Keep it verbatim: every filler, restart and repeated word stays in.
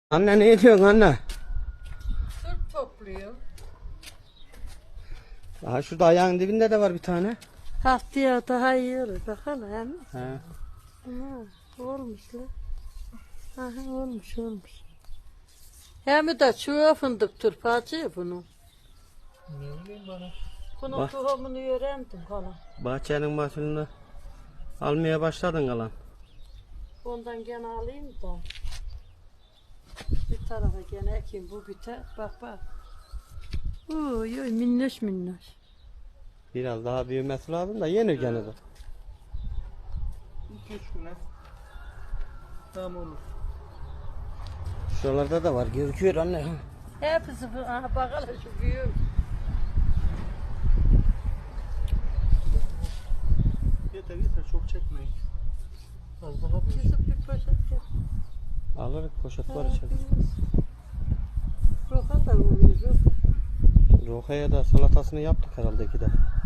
Anne ne ediyorsun anne? Sırf topluyor. Aha şurada ayağın dibinde de var bir tane. Haftaya daha iyi olur. Bakalım hem. He. Ha, olmuş lan. Aha, olmuş olmuş. Hem de çuva fındık turpacı bunu. Ne bileyim bana. Bunun Bak. tohumunu öğrendim falan. Bahçenin mahsulünü almaya başladın kalan. Ondan gene alayım da. Bir tarafa gene ekeyim bu biter. Bak bak. Uy uy minnoş minnoş. Biraz daha büyümesi lazım da yenir gene de. İki üç güne. Tamam olur. Şuralarda da var gözüküyor anne. Hepsi bu. Aha bakalım şu büyük. Yeter yeter çok çekmeyin. Az daha büyük. Kızıp bir poşet yap. Alırız poşet var içeride. Roka da oluyor roka. Rokaya da salatasını yaptık herhalde iki de.